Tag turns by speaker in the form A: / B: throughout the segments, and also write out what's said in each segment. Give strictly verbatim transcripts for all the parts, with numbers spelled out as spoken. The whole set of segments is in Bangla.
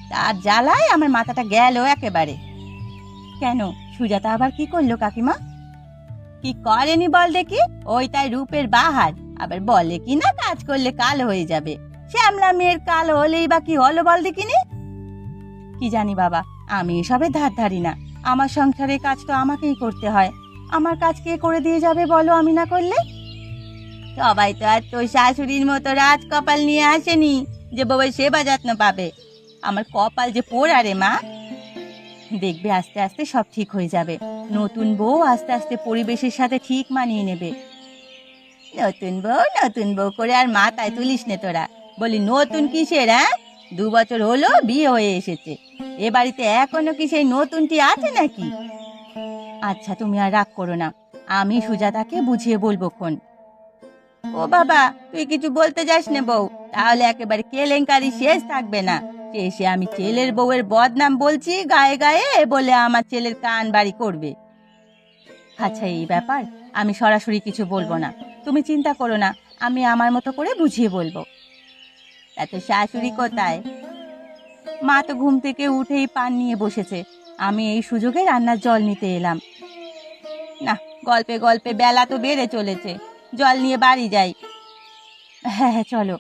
A: তার জ্বালায় আমার মাথাটা গেল একেবারে। কেন, সুজাতা আবার কি করলো কাকিমা? কি করেনি বল দেখি? ওই তাই রূপের বাহার, আবার বলে কি না কাজ করলে কাল হয়ে যাবে। শ্যামলা মেয়ের কাল হলেই বা কি হলো বল দেখিনি? কি জানি বাবা, আমি এসবের ধার ধারি না। আমার সংসারের কাজ তো আমাকেই করতে হয়। আমার কাজ কে করে দিয়ে যাবে বলো আমি না করলে? সবাই তো আর তোর শাশুড়ির মতো রাজ কপাল নিয়ে আসেনি যে বউয়ের সেবা যত্ন পাবে। আমার কপাল যে পোড়া রে মা। দেখবে আস্তে আস্তে সব ঠিক হয়ে যাবে। নতুন বউ আস্তে আস্তে পরিবেশের সাথে ঠিক মানিয়ে নেবে। নতুন বউ নতুন বউ করে আর মাথায় তুলিস নে তোরা। বলি নতুন কিসের? হ্যাঁ, দু বছর হলো বিয়ে হয়ে এসেছে, এ বাড়িতে এখনো কি সেই নতুনটি আছে নাকি? আচ্ছা তুমি আর রাগ করো না, আমি সুজাতাকে বুঝিয়ে বলবো খন। ও বাবা, তুই কিছু বলতে যাস না বউ, তাহলে একেবারে কেলেঙ্কারি শেষ থাকবে না। শেষে আমি ছেলের বউয়ের বদনাম বলছি গায়ে গায়ে বলে আমার ছেলের কান বাড়ি করবে। আচ্ছা এই ব্যাপার, আমি সরাসরি কিছু বলবো না, তুমি চিন্তা করো না, আমি আমার মতো করে বুঝিয়ে বলবো। এত শাশুড়ি কোথায়? মা তো ঘুম থেকে উঠেই পান নিয়ে বসেছে, আমি এই সুযোগে রান্নার জল নিতে এলাম। না, গল্পে গল্পে বেলা তো বেড়ে চলেছে, জল নিয়ে বাড়ি যাই। হ্যাঁ হ্যাঁ চলো।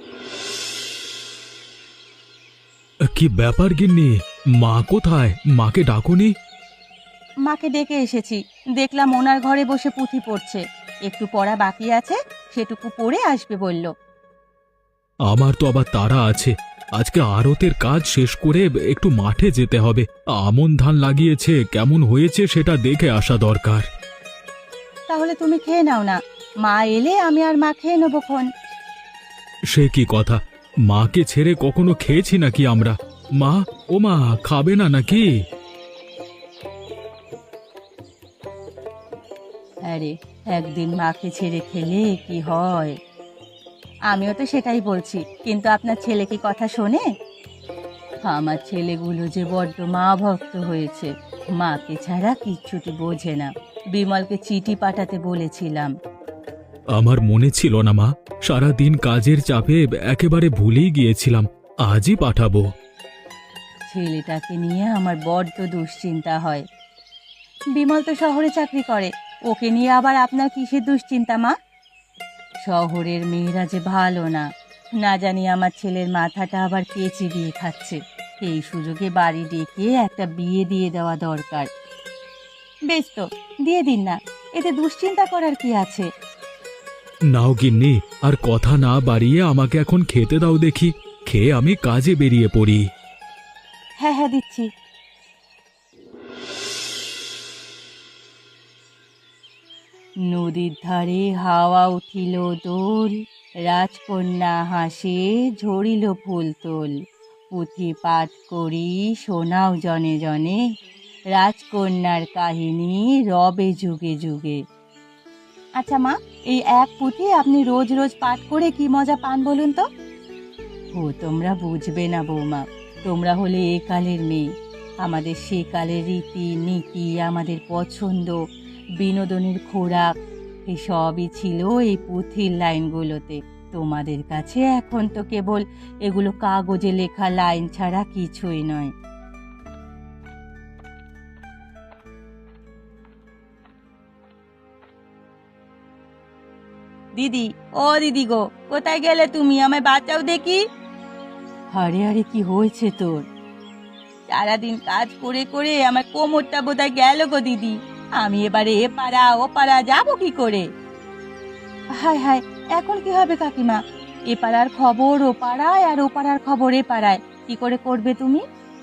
B: কি ব্যাপার গিন্নি, মা কোথায়? মাকে ডাকুনি?
A: মাকে ডেকে এসেছি, দেখলাম ওনার ঘরে বসে পুঁথি পড়ছে। একটু পড়া বাকি আছে, সেটুকু পড়ে আসবে বলল।
B: আমার তো আবার তাড়া আছে, আজকে আড়তের কাজ শেষ করে একটু মাঠে যেতে হবে। আমন ধান লাগিয়েছে, কেমন হয়েছে সেটা দেখে আসা দরকার।
A: তাহলে তুমি খেয়ে নাও না, মা এলে আমি আর মা খেয়ে নেবো খন।
B: সে কি কথা, মাকে ছেড়ে কখনো খেয়েছি নাকি আমরা? মা, ও মা, খাবে না নাকি?
A: আরে, একদিন মাকে ছেড়ে খেলে কি হয়? আমিও তো সেটাই বলছি, কিন্তু আপনার ছেলে কি কথা শোনে? আমার ছেলেগুলো যে বড্ড মা ভক্ত হয়েছে, মাকে ছাড়া কিচ্ছুটি বোঝে না। বিমলকে চিঠি পাঠাতে বলেছিলাম।
B: আমার মনে ছিল না মা, সারা দিন কাজের চাপে একেবারে ভুলেই গিয়েছিলাম। আজই পাঠাবো।
A: ছেলেটাকে নিয়ে আমার বড্ড দুশ্চিন্তা হয়। বিমল তো শহরে চাকরি করে, ওকে নিয়ে আবার আপনার কিসের দুশ্চিন্তা মা? শহরের মেয়েরা যে ভালো না, না জানি আমার ছেলের মাথাটা আবার কে চিবিয়ে খাচ্ছে। এই সুযোগে বাড়ি ডেকে একটা বিয়ে দিয়ে দেওয়া দরকার। বেশ তো, দিয়ে দিন না, এতে দুশ্চিন্তা করার কি আছে?
B: নাও গিন্নি, আর কথা না বাড়িয়ে আমাকে এখন খেতে দাও দেখি, খেয়ে আমি কাজে বেরিয়ে পড়ি।
A: হ্যাঁ হ্যাঁ দিচ্ছি। নদীর ধারে হাওয়া উঠিল দোল, রাজকন্যা হাসে ঝরিল ফুল তোল। পুঁথি পাঠ করি শোনাও জনে জনে, রাজকন্যার কাহিনী রবে যুগে যুগে। আচ্ছা মা, এই এক পুঁথি আপনি রোজ রোজ পাঠ করে কি মজা পান বলুন তো? ও তোমরা বুঝবে না বৌমা, তোমরা হলে এ কালের মেয়ে। আমাদের সে কালের রীতি নীতি, আমাদের পছন্দ, বিনোদনের খোরাক, এসবই ছিল এই পুঁথির লাইনগুলোতে। তোমাদের কাছে এখন তো কেবল এগুলো কাগজে লেখা লাইন ছাড়া কিছুই নয়। দিদি, ও দিদি গো, কোথায় গেলে তুমি? আমায় বাঁচাও দেখি। আরে আরে, কি হয়েছে তোর? সারাদিন কাজ করে করে আমার কোমরটা বোধহয় গেল গো দিদি। আমি এবারে এ পাড়া ও পাড়া যাবো কি করে? হায় হায়, এখন কি হবে কাকিমা? এ পাড়ার খবর ও পাড়ায়, আর ও পাড়ার খবর এ পাড়ায়, কি করে করবে তুমি?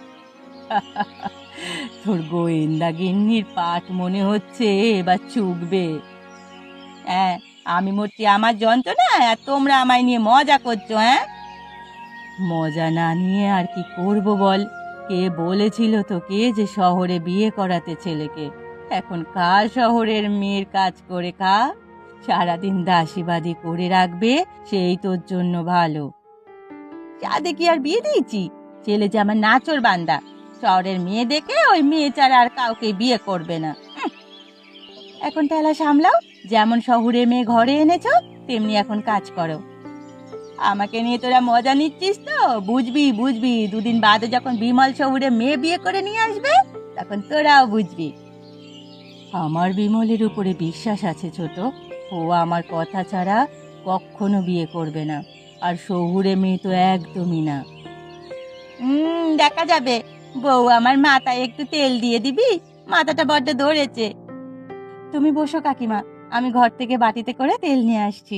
A: তোর গোয়েন্দা গিন্নির পাঠ মনে হচ্ছে এবার চুকবে। হ্যাঁ, আমি মরছি আমার যন্ত্রণায়, আর তোমরা আমায় নিয়ে মজা করছো। হ্যাঁ, মজা না নিয়ে আর কি করব বল? কে বলেছিল তোকে যে শহরে বিয়ে করাতে ছেলেকে? এখন কার শহরের মেয়ের কাজ করে খা, সারাদিন দাসীবাদী করে রাখবে, সেই তোর জন্য ভালো। চাঁদে কি আর বিয়ে দিয়েছি? ছেলে যে আমার নাচর বান্দা, শহরের মেয়ে দেখে ওই মেয়ে ছাড়া আর কাউকে বিয়ে করবে না। হুঁ, এখন ঠেলা সামলাও, যেমন শহরে মেয়ে ঘরে এনেছো তেমনি এখন কাজ করো। আমাকে নিয়ে তোরা মজা নিচ্ছিস তো? বুঝবি বুঝবি দুদিন বাদে যখন বিমল শহুরে মেয়ে বিয়ে করে নিয়ে আসবে তখন তোরাও বুঝবি। আমার বিমলের উপরে বিশ্বাস আছে ছোট, ও আমার কথা ছাড়া কখনো বিয়ে করবে না, আর শহুরে মেয়ে তো একদমই না। হুম, দেখা যাবে। বউ আমার মাথায় একটু তেল দিয়ে দিবি, মাথাটা বড্ড ধরেছে। তুমি বসো কাকিমা, আমি ঘর থেকে বাটিতে করে তেল নিয়ে আসছি।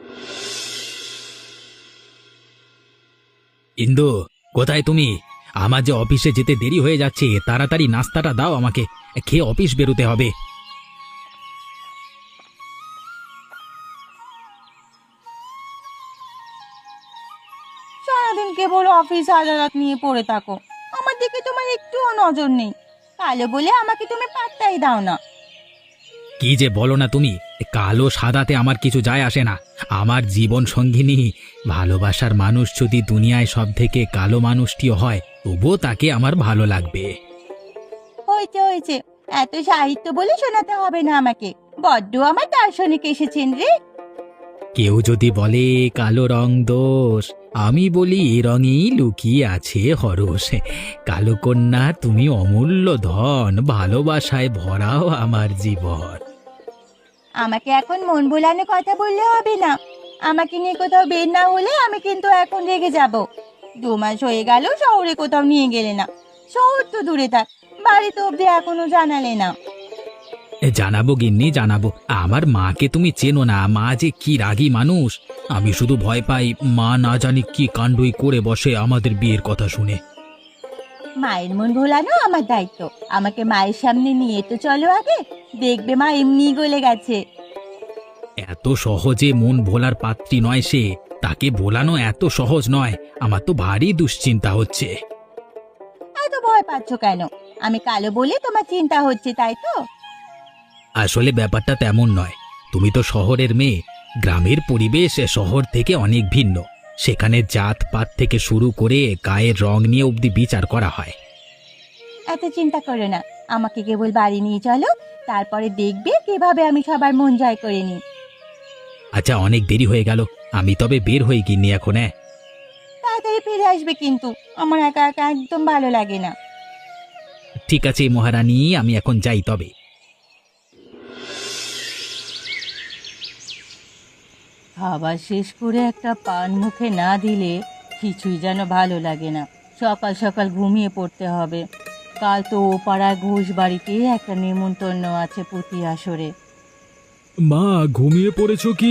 C: ইন্দু, কোথায় তুমি? আমার যে অফিসে যেতে দেরি হয়ে যাচ্ছে, তাড়াতাড়ি নাস্তাটা দাও আমাকে, খেয়ে অফিস বেরোতে হবে।
A: সারাদিন কেবল অফিস আদালত নিয়ে পড়ে থাকো, আমার দিকে তোমার একটুও নজর নেই। কালো বলে আমাকে তুমি পাত্তাই দাও না।
C: কি যে বলো না তুমি, কালো সাদাতে আমার কিছু যায় আসে না। আমার জীবন সঙ্গিনী, ভালোবাসার মানুষ যদি দুনিয়ায় সব থেকে কালো মানুষটিও হয়, তবুও তাকে আমার ভালো লাগবে।
A: হয়েছে হয়েছে, এত সাহিত্য বলে শোনাতে হবে না আমাকে। বড্ড আমার দার্শনিক এসেছেন রে।
C: কেউ যদি বলে কালো রং দোষ, আমি বলি এ রঙেই লুকিয়ে আছে হরস। কালো কন্যা তুমি অমূল্য ধন, ভালোবাসায় ভরাও আমার জীবন।
A: আমাকে এখন মন ভোলানো কথা বললে হবে না। আমাকে নিয়ে কোথাও বের না হলে আমি কিন্তু এখন রেগে যাব। দু মাস হয়ে গেল শহরে কোথাও নিয়ে গেলে না। শহর তো দূরে থাক, বাড়ি তো অব্দি এখনো জানালে না।
C: জানাবো গিন্নি, জানাবো। আমার মাকে তুমি চেনো না, মা যে কি রাগী মানুষ। আমি শুধু ভয় পাই মা না জানি কি কাণ্ডই করে বসে আমাদের বিয়ের কথা শুনে।
A: মায়ের মন ভোলানো আমার দায়িত্ব। আমাকে মায়ের সামনে নিয়ে তো চলো আগে, দেখবে মা এমনি গলে গেছে।
C: এত সহজে মন ভোলার পাত্রী নয় সে, তাকে ভোলানো এত সহজ নয়। আমার তো ভারী দুশ্চিন্তা হচ্ছে।
A: এত ভয় পাচ্ছ কেন? আমি কালো বলে তোমার চিন্তা হচ্ছে, তাই তো?
C: আসলে ব্যাপারটা তেমন নয়। তুমি তো শহরের মেয়ে, গ্রামের পরিবেশ শহর থেকে অনেক ভিন্ন। সেখানে জাত পাত থেকে শুরু করে গায়ের রং নিয়ে অবধি বিচার করা হয়।
A: এত চিন্তা করো না, আমাকে কেবল বাড়ি নিয়ে চলো, তারপরে দেখবে কিভাবে আমি সবার মন জয় করে নিই।
C: আচ্ছা, অনেক দেরি হয়ে গেল, আমি তবে বের হয়ে গিনি এখন। হ্যাঁ,
A: তাড়াতাড়ি ফিরে আসবে কিন্তু, আমার একা একা একদম ভালো লাগে না।
C: ঠিক আছে মহারানী, আমি এখন যাই তবে।
A: খাবার শেষ করে একটা পান মুখে না দিলে কিছুই যেন ভালো লাগে না। সকাল সকাল ঘুমিয়ে পড়তে হবে। কাল তো ও পাড়ার ঘোষ বাড়িতে একটা নেমন্তন্ন আছে প্রতি আসরে।
B: মা, ঘুমিয়ে পড়েছো কি?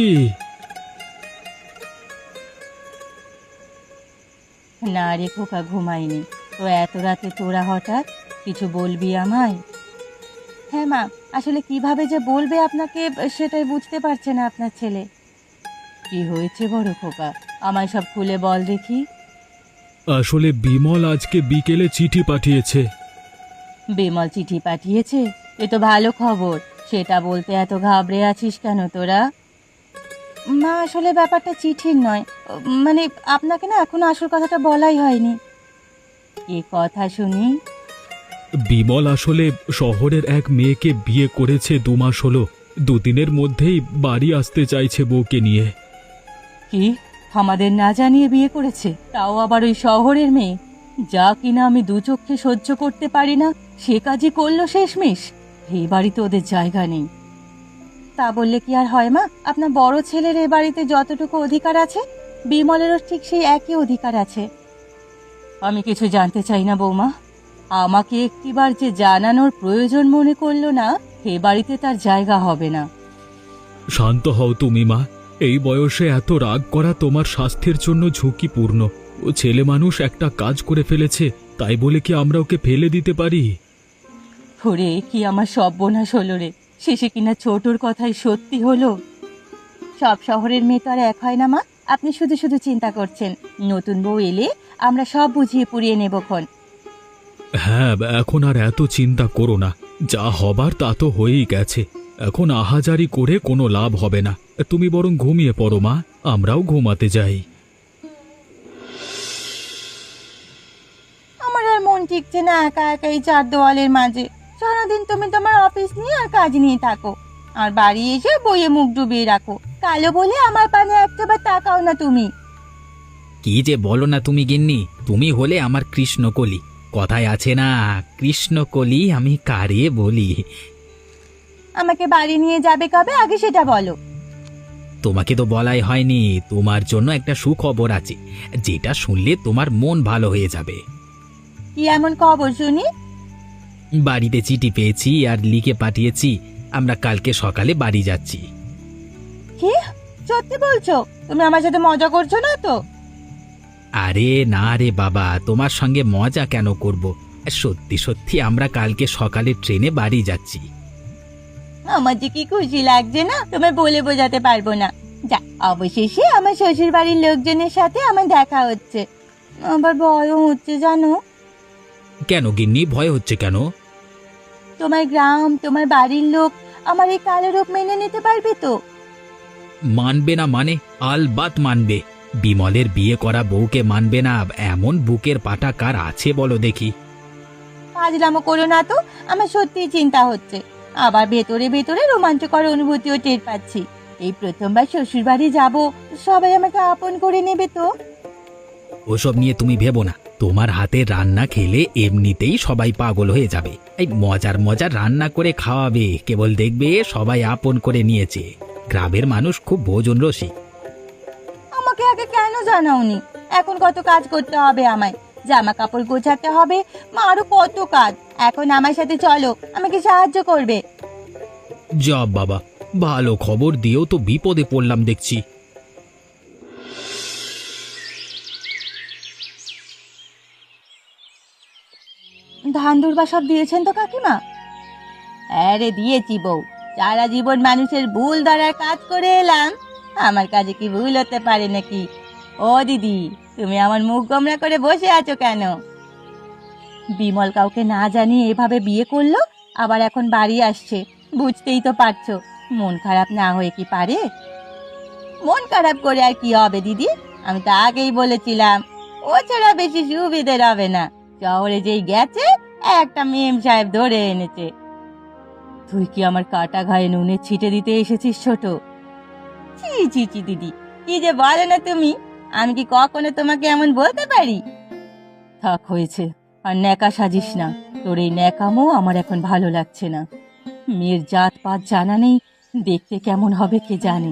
A: না রে খোকা, ঘুমাইনি। তো এত রাতে তোরা হঠাৎ কিছু বলবি আমায়? হ্যাঁ মা, আসলে কিভাবে যে বলবে আপনাকে সেটাই বুঝতে পারছে না আপনার ছেলে। কি হয়েছে বড় খোকা, আমায় সব খুলে বল দেখি।
B: আসলে বিমল আজকে বিকেলে চিঠি পাঠিয়েছে।
A: বিমল চিঠি পাঠিয়েছে? এ তো ভালো খবর। সেটা বলতে এত ঘাবড়ে আছিস কেন তোরা? মা, আসলে ব্যাপারটা চিঠির নয়, মানে আপনাকে না এখনো আসল কথাটা বলাই হয়নি। কি কথা শুনি?
B: বিমল আসলে শহরের এক মেয়েকে বিয়ে করেছে, দু মাস হলো। দুদিনের মধ্যেই বাড়ি আসতে চাইছে বউকে নিয়ে।
A: কি, আমাদের না জানিয়ে বিয়ে করেছে, তাও আবার ওই শহরের মেয়ে? যা কিনা আমি দু চোখে সহ্য করতে পারি না, সে কাজই করলো শেষমেশ। এই বাড়িতে ওদের জায়গা নেই। তা বললে কি আর হয় মা? আপনার বড় ছেলের এ বাড়িতে যতটুকু অধিকার আছে, বিমলেরও ঠিক সেই একই অধিকার আছে। আমি কিছু জানতে চাই না বৌমা। আমাকে একটিবার যে জানানোর প্রয়োজন মনে করলো না, এ বাড়িতে তার জায়গা হবে না।
B: শান্ত হও তুমি মা। এই বয়সে এত রাগ করা তোমার স্বাস্থ্যের জন্য ঝুঁকিপূর্ণ। ও ছেলে মানুষ একটা কাজ করে ফেলেছে, তাই বলে কি আমরা ওকে ফেলে দিতে পারি?
A: ওরে, কি আমার সর্বনাশ হলো রে! শেষে কিনা ছোটর কথাই সত্যি হলো। সব শহরের মেয়ে তো আর এক হয় না মা। আপনি শুধু শুধু চিন্তা করছেন। নতুন বউ এলে আমরা সব বুঝিয়ে পুড়িয়ে নেবক্ষণ।
B: হ্যাঁ, এখন আর এত চিন্তা করো না। যা হবার তা তো হয়েই গেছে। এখন আহাজারি করে কোনো লাভ হবে না। তুমি বরং ঘুমিয়ে পড়ো মা, আমরাও ঘুমাতে যাই।
A: আমার আর মন ঠিকছে না একা একা এই চার দেওয়ালের মাঝে। সারাদিন তুমি তোমার অফিস নিয়ে আর কাজ নিয়ে থাকো, আর বাড়ি এসে বইয়ে মুখ ডুবিয়ে রাখো। কালো বলে আমার পানে একটাবার তাকাও না তুমি।
C: কি যে বলো না তুমি গিন্নি, তুমি হলে আমার কৃষ্ণকলি। কথায় আছে না, কৃষ্ণকলি আমি কারে বলি।
A: আমাকে বাড়ি নিয়ে যাবে কবে আগে সেটা বলো।
C: তোমাকে তো বলাই হয়নি, তোমার জন্য একটা সুখবর আছে, যেটা শুনলে তোমার মন ভালো হয়ে যাবে।
A: কি এমন খবর শুনি?
C: বাড়িতে চিঠি পেয়েছি আর লিখে পাঠিয়েছি, আমরা কালকে সকালে বাড়ি যাচ্ছি।
A: কি সত্যি বলছো? তুমি আমার সাথে মজা করছো না তো?
C: আরে না রে বাবা, তোমার সঙ্গে মজা কেন করব, সত্যি সত্যি আমরা কালকে সকালে ট্রেনে বাড়ি যাচ্ছি।
A: আমার যে কি খুশি লাগছে না, তোমায় বলে বোঝাতে পারবো না। যা, অবশেষে আমার শ্বশুর বাড়ির লোকজনের সাথে আমার দেখা হচ্ছে। আবার ভয়ও হচ্ছে জানো।
C: কেন গিন্নি, ভয় হচ্ছে কেন?
A: তোমার গ্রাম, তোমার বাড়ির লোক আমার এই কালো রূপ মেনে নিতে পারবে তো?
C: মানবে না মানে? আলবাত মানবে। বিমলের বিয়ে করা বউকে মানবে না এমন বুকের পাটা কার আছে বলো দেখি?
A: ফাজলামো করো না তো, আমার সত্যিই চিন্তা হচ্ছে। আবার ভেতরে ভেতরে রোমাঞ্চকর অনুভূতিও টের পাচ্ছি। এই প্রথমবার শ্বশুর বাড়ি যাবো, সবাই আমাকে আপন করে নেবে তো?
C: ওসব নিয়ে তুমি ভেবো না, তোমার হাতের রান্না খেলে এমনিতেই সবাই পাগল হয়ে যাবে। এই মজার মজার রান্না করে খাওয়াবে, কেবল দেখবে সবাই আপন করে নিয়েছে। গ্রামের মানুষ খুব ভোজন রসিক।
A: আমাকে আগে কেন জানাওনি? এখন কত কাজ করতে হবে আমায়, জামা কাপড় গোছাতে হবে, মা আরো কত কাজ। এখন আমার সাথে চলো, আমাকে সাহায্য করবে।
C: যা বাবা, ভালো খবর দিয়েও তো বিপদে পড়লাম দেখছি।
A: ধান দুর্বা সব দিয়েছেন তো কাকিমা? আরে দিয়েছি বউ, সারা জীবন মানুষের ভুল ধরার কাজ করে এলাম, আমার কাজে কি ভুল হতে পারে নাকি? ও দিদি, তুমি আমার মুখ গোমরা করে বসে আছো কেন? বিমল কাউকে না জানিয়ে এভাবে বিয়ে করলো, আবার এখন বাড়ি আসছে, বুঝতেই তো পারছো। মন খারাপ না হয়ে কি পারে? মন খারাপ করে আর কি হবে দিদি? আমি তো আগেই বলেছিলাম ও ছাড়া বেশি সুবিধের হবে না। শহরে যেই গেছে, একটা মেম সাহেব ধরে এনেছে। তুই কি আমার কাটা ঘায়ে নুনে ছিটে দিতে এসেছিস ছোট? ছি ছি ছি দিদি, কি যে বলে না তুমি, আমি কি কখনো তোমাকে এমন বলতে পারি? থাক হয়েছে, আর ন্যাকা সাজিস না। তোর এই ন্যাকামো আমার এখন ভালো লাগছে না। মেয়ের জাত পাত জানা নেই, দেখতে কেমন হবে কে জানে।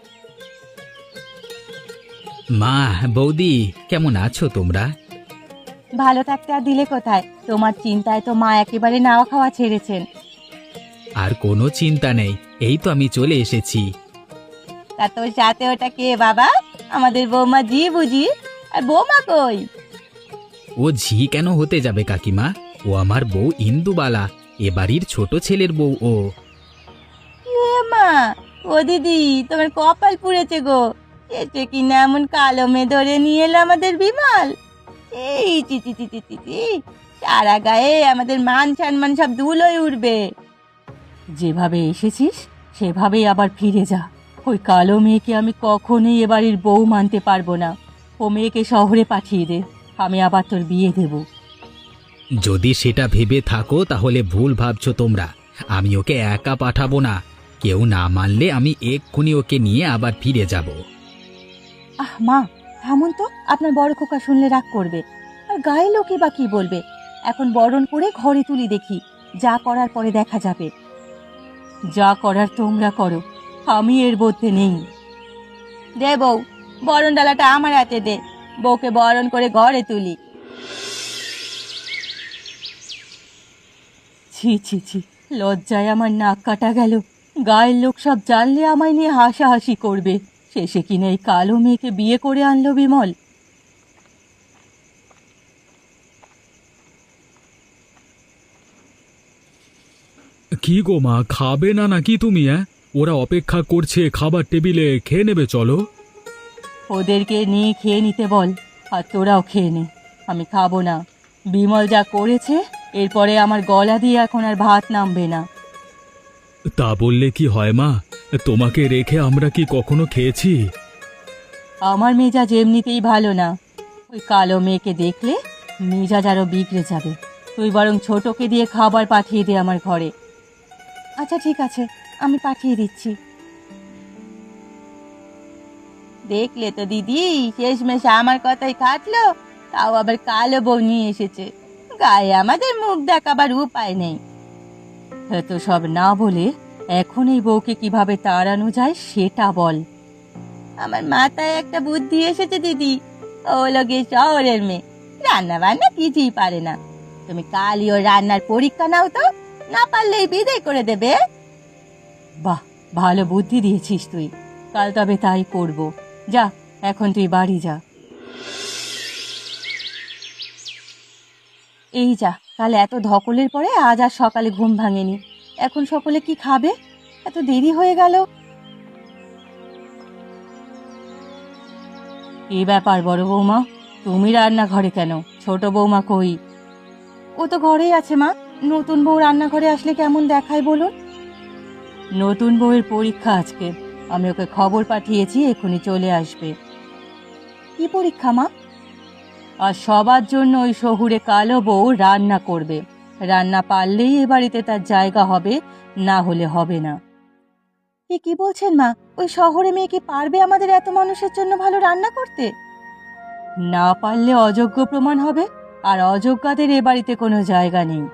C: মা, বৌদি, কেমন আছো তোমরা?
A: ভালো থাকতে আর দিলে কোথায়? তোমার চিন্তায় তো মা একেবারে নাওয়া খাওয়া ছেড়েছেন।
C: আর কোনো চিন্তা নেই, এই তো আমি চলে এসেছি।
A: তা তোর সাথে ওটা কে বাবা? আমাদের বৌমা জি বুঝি? আর বৌমা কই?
C: ও ঝি কেন হতে যাবে কাকিমা, ও আমার বউ ইন্দুবালা, এ বাড়ির ছোট ছেলের বউ ও।
A: এ মা, ও দিদি, তোমার কপাল পুড়েছে গো। এসে কিনা এমন কালো মেয়ে ধরে নিয়ে এলো আমাদের বিমল। এই চি চি চি চি চি চি, সারা গায়ে আমাদের মান সম্মান সব ধুলোয় উঠবে। যেভাবে এসেছিস সেভাবেই আবার ফিরে যা। ওই কালো মেয়েকে আমি কখনোই এ বাড়ির বউ মানতে পারবো না। ও মেয়েকে শহরে পাঠিয়ে দে, আমি আবার তোর বিয়ে দেব।
C: যদি সেটা ভেবে থাকো তাহলে ভুল ভাবছো তোমরা। আমি ওকে একা পাঠাবো না, কেউ না মানলে আমি এক্ষুনি ওকে নিয়ে আবার ফিরে যাব।
A: আহ মা, থামুন তো, আপনার বড় খোকা শুনলে রাগ করবে। আর গায়ে লোকে বা কি বলবে? এখন বরণ করে ঘরে তুলি দেখি, যা করার পরে দেখা যাবে। যা করার তোমরা করো, আমি এর মধ্যে নেই। দে বউ, বরণ ডালাটা আমার হাতে দে, বউকে বরণ করে ঘরে তুলি। ছি ছি ছি, লজ্জায় আমার নাক কাটা গেল। গায়ের লোক সব জানলে আমায় নিয়ে হাসাহাসি করবে। শেষে কিনা এই কালো মেয়েকে বিয়ে করে আনলো বিমল।
B: কি গো মা, খাবে না নাকি তুমি? হ্যাঁ, ওরা অপেক্ষা করছে খাবার টেবিলে, খেয়ে নেবে চলো।
A: ওদেরকে নিয়ে খেয়ে নিতে বল, আর তোরাও খেয়ে নে। আমি খাবো না। বিমল যা করেছে, এরপরে আমার গলা দিয়ে এখন আর ভাত নামবে না।
B: তা বললে কি হয় মা, তোমাকে রেখে আমরা কি কখনো খেয়েছি?
A: আমার মেজাজ এমনিতেই ভালো না, ওই কালো মেয়েকে দেখলে মেজাজ আরো বিগড়ে যাবে। তুই বরং ছোটকে দিয়ে খাবার পাঠিয়ে দে আমার ঘরে। আচ্ছা ঠিক আছে, আমি পাঠিয়ে দিচ্ছি। দেখলে তো দিদি, শেষমেশ আমার কথাই খাটলো, তাও আবার কালো বউ নিয়ে এসেছে। গায়ে আমাদের মুখ দেখাবার উপায় নেই। তো সব না বলে এখন এই বউকে কিভাবে তাড়ানো যায় সেটা বল। আমার মাথায় একটা বুদ্ধি এসেছে দিদি। ও লোকে শহরের মেয়ে, রান্না বান্না কিছুই পারে না। তুমি কালই ওর রান্নার পরীক্ষা নাও তো, না পারলেই বিদায় করে দেবে। বাহ, ভালো বুদ্ধি দিয়েছিস তুই। কাল তবে তাই করব। যা, এখন তুই বাড়ি যা। এই যা, কাল এত ধকলের পরে আজ আর সকালে ঘুম ভাঙেনি। এখন সকলে কি খাবে? এত দেরি হয়ে গেল। কি ব্যাপার বড় বৌমা, তুমি রান্নাঘরে কেন? ছোট বৌমা কই? ও তো ঘরেই আছে মা। নতুন বউ রান্নাঘরে আসলে কেমন দেখায় বলুন? নতুন বউয়ের পরীক্ষা আজকে, আমি ওকে খবর পাঠিয়েছি, এখনই চলে আসবে। কি পরীক্ষা মা? আর সবার জন্য ওই শহুরে কালো বউ রান্না করবে। রান্না পারলেই এ বাড়িতে তার জায়গা হবে, না হলে হবে না। এ কি বলছেন মা? ওই শহরে মেয়ে কি পারবে আমাদের এত মানুষের জন্য ভালো রান্না করতে? না পারলে অযোগ্য প্রমাণ হবে, আর অযোগ্যদের এ বাড়িতে কোনো জায়গা নেই।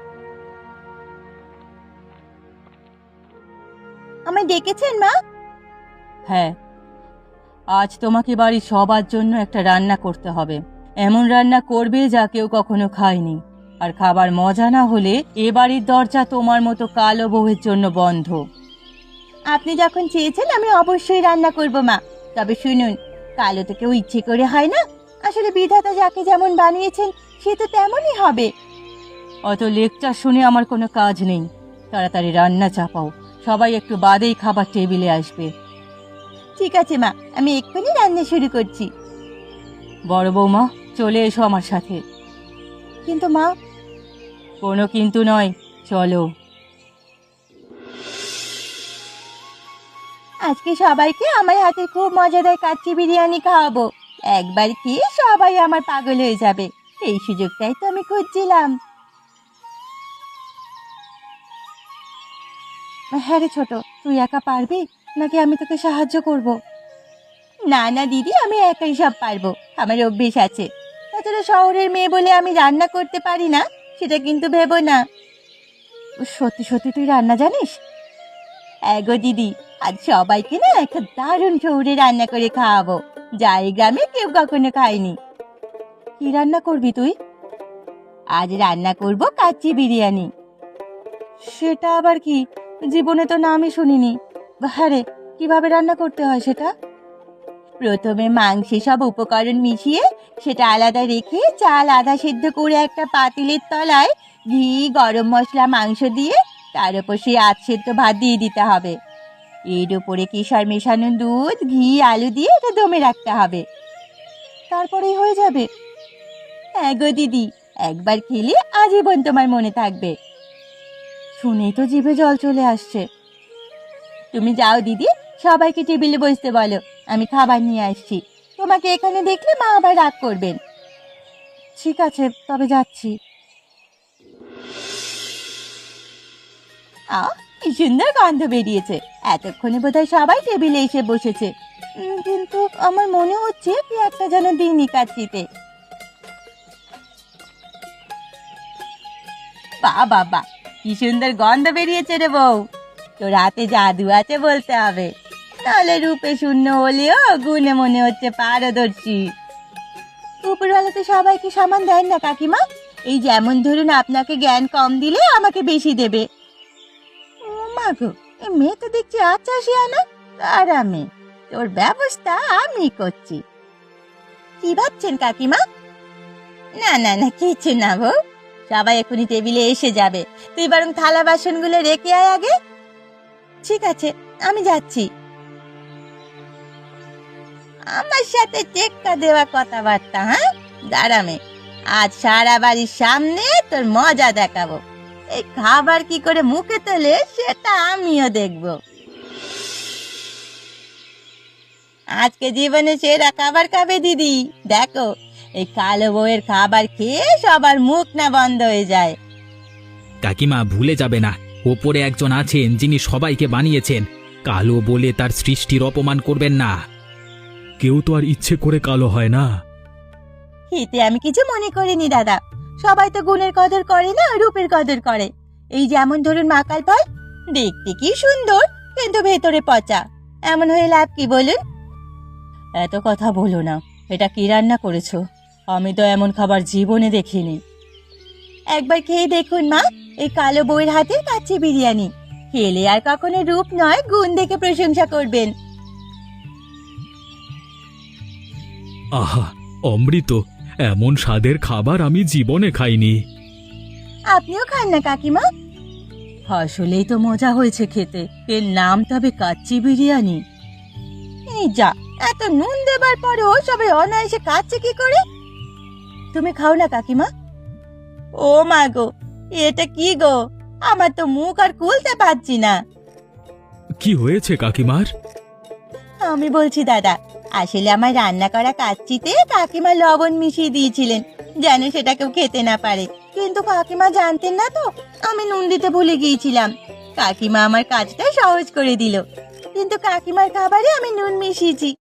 A: আমায় ডেকেছেন মা? হ্যাঁ, আজ তোমাকে বাড়ির সবার জন্য একটা রান্না করতে হবে। এমন রান্না করবে যা কেউ কখনো খায়নি। আর খাবার মজা না হলে এ বাড়ির দরজা তোমার মতো কালো বউয়ের জন্য বন্ধ। আপনি যখন চেয়েছেন আমি অবশ্যই রান্না করব মা। তবে শুনুন, কালো তো কেউ ইচ্ছে করে হয় না। আসলে বিধাতা যাকে যেমন বানিয়েছেন সে তো তেমনই হবে। অত লেকচার শুনে আমার কোনো কাজ নেই। তাড়াতাড়ি রান্না চাপাও, সবাই একটু বাদেই খাবার টেবিলে আসবে। ঠিক আছে মা, আমি এক্ষুনি রান্না শুরু করছি। বড় বৌমা, চলে এসো আমার সাথে। কিন্তু মা। কোনো কিন্তু নয়, চলো। আজকে সবাইকে আমার হাতে খুব মজাদার কাচ্চি বিরিয়ানি খাওয়াবো। একবার খেয়ে সবাই আমার পাগল হয়ে যাবে। এই সুযোগটাই তো আমি খুঁজছিলাম। হ্যাঁ রে ছোট, তুই একা পারবি নাকি আমি তোকে সাহায্য করব? না না দিদি, আমি একাই সব পারবো। আমার অভ্যেস আছে। তাছাড়া শহরের মেয়ে বলে আমি রান্না করতে পারি না সেটা কিন্তু ভেবো না। সত্যি সত্যি তুই রান্না জানিস? এগো দিদি, আজ সবাইকে না একটা দারুণ শহরে রান্না করে খাওয়াবো, যা এই গ্রামে কেউ কখনো খায়নি। কি রান্না করবি তুই? আজ রান্না করব কাচ্চি বিরিয়ানি। সেটা আবার কি? জীবনে তো নামই শুনিনি। হ্যাঁ রে, কিভাবে রান্না করতে হয় সেটা? প্রথমে মাংসে সব উপকরণ মিশিয়ে সেটা আলাদা রেখে চাল আধা সেদ্ধ করে একটা পাতিলের তলায় ঘি, গরম মশলা, মাংস দিয়ে তার উপর সেই আধ সেদ্ধ ভাত দিয়ে দিতে হবে। এর উপরে কেশর মেশানো দুধ, ঘি, আলু দিয়ে এটা দমে রাখতে হবে। তারপরেই হয়ে যাবে? হ্যাঁ গো দিদি, একবার খেলে আজীবন তোমার মনে থাকবে। শুনেই তো জিভে জল চলে আসছে। তুমি যাও দিদি, সবাইকে টেবিলে বসতে বলো, আমি খাবার নিয়ে আসছি। তোমাকে এখানে দেখলে মা আবার রাগ করবেন। ঠিক আছে, তবে যাচ্ছি। আহ, কি সুন্দর গন্ধ বেরিয়েছে। এতক্ষণে বোধহয় সবাই টেবিলে এসে বসেছে। উম, কিন্তু আমার মনে হচ্ছে কি একটা যেন দিইনি কাচ্চিতে। বা বাবা, কি সুন্দর গন্ধ বেরিয়েছে রে বউ। তোর হাতে জাদু আছে বলতে হবে, নাহলে রূপে শূন্য হলেও গুণে মনে হচ্ছে পারদর্শী। উপরওয়ালা তো সবাইকে সমান দেন না কাকিমা। এই যেমন ধরুন আপনাকে জ্ঞান কম দিলে আমাকে বেশি দেবে। ও মা গো, এই মেয়ে তো দেখছি আচ্ছা শিয়ানা। আরামে তোর ব্যবস্থা আমি করছি। কি ভাবছেন কাকিমা? না না না, কিছু না বউ। সবাই এখনই টেবিলে এসে যাবে। তুই বরং থালা বাসনগুলো রেখে আয় আগে। ঠিক আছে, আমি যাচ্ছি। আমার সাথে টেক্কা দেওয়া কথাবার্তা, হ্যাঁ? দাঁড়ামে, আজ সারা বাড়ির সামনে তোর মজা দেখাবো। এই খাবার কি করে মুখে তোলে সেটা আমিও দেখব। আজকে জীবনে সেরা খাবার খাবে দিদি। দেখো, এই কালো বউয়ের খাবার খেয়ে সবার মুখ না বন্ধ হয়ে যায়।
C: কাকিমা, ভুলে যাবে না, ওপরে একজন আছেন যিনি সবাইকে বানিয়েছেন। কালো বলে তার সৃষ্টির অপমান করবেন না।
B: কেউ তো আর ইচ্ছে করে কালো হয় না।
A: এতে আমি কিছু মনে করিনি দাদা। সবাই তো গুণের কদর করে না, রূপের কদর করে। এই যেমন ধরুন মাকাল ফল, দেখতে কি সুন্দর কিন্তু ভেতরে পচা। এমন হয়ে লাভ কি বলুন? এত কথা বলো না। এটা কি রান্না করেছো? আমি তো এমন খাবার জীবনে দেখিনি। একবার খেয়ে দেখুন মা, এই কালো বউয়ের হাতের কাচ্চি বিরিয়ানি। খেলে আর কখনো রূপ নয়, গুণ দেখে প্রশংসা করবেন।
B: আহা, অমৃত! এমন স্বাদের খাবার আমি জীবনে খাইনি।
A: আপনিও খান না কাকিমা। আসলেই তো মজা হয়েছে খেতে। এর নাম তবে কাচ্চি বিরিয়ানি। এই যা, এত নুন দেবার পরেও সবাই অনায়াসে খাচ্ছে কি করে? তুমি খাও না কাকিমা। ও মা গো, এটা কি গো? আমার তো মুখ আর খুলতে পারছি না।
B: কি হয়েছে কাকিমার?
A: আমি বলছি দাদা, আসলে আমার রান্না করা কাচ্চিতে কাকিমা লবণ মিশিয়ে দিয়েছিলেন, যেন সেটা কেউ খেতে না পারে। কিন্তু কাকিমা জানতেন না তো আমি নুন দিতে ভুলে গিয়েছিলাম। কাকিমা আমার কাজটা সহজ করে দিল, কিন্তু কাকিমার খাবারে আমি নুন মিশিয়েছি।